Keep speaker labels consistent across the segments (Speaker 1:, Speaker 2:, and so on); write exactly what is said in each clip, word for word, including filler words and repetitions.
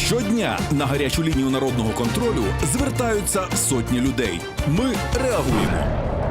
Speaker 1: Щодня на гарячу лінію народного контролю звертаються сотні людей. Ми реагуємо.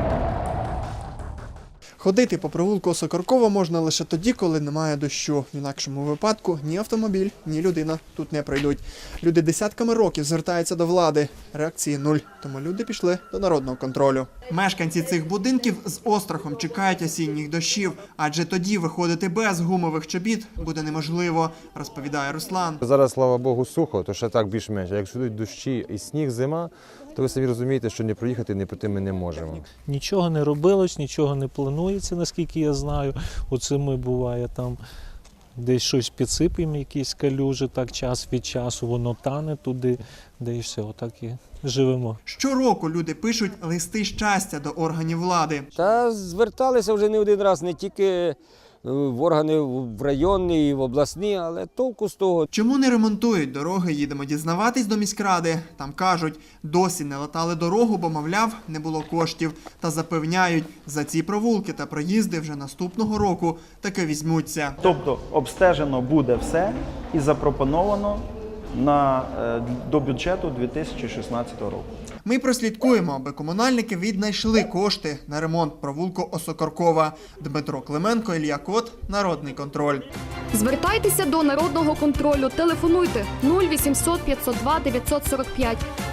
Speaker 2: Ходити по провулку Осокоркова можна лише тоді, коли немає дощу. В інакшому випадку ні автомобіль, ні людина тут не пройдуть. Люди десятками років звертаються до влади. Реакції нуль. Тому люди пішли до народного контролю. Мешканці цих будинків з острахом чекають осінніх дощів, адже тоді виходити без гумових чобіт буде неможливо, розповідає Руслан.
Speaker 3: Зараз, слава Богу, сухо, то ще так більш-менш. А якщо йдуть дощі і сніг, зима, то ви самі розумієте, що не проїхати, не пройти ми не можемо.
Speaker 4: Нічого не робилось, нічого не планується, наскільки я знаю. Оце ми буває там десь щось підсипаємо, якісь калюжі, так час від часу, воно тане туди, де і все, отак і живемо.
Speaker 2: Щороку люди пишуть листи щастя до органів влади.
Speaker 5: Та зверталися вже не один раз, не тільки в органи в районні і в обласні, але толку з того.
Speaker 2: Чому не ремонтують дороги, їдемо дізнаватись до міськради. Там кажуть, досі не латали дорогу, бо, мовляв, не було коштів. Та запевняють, за ці провулки та проїзди вже наступного року таки візьмуться.
Speaker 6: Тобто обстежено буде все і запропоновано на, до бюджету дві тисячі шістнадцятого року.
Speaker 2: Ми прослідкуємо, аби комунальники віднайшли кошти на ремонт провулку Осокоркова. Дмитро Клименко, Ілля Кот, Народний контроль.
Speaker 7: Звертайтеся до Народного контролю. Телефонуйте нуль вісімсот п'ятсот два дев'ятсот сорок п'ять.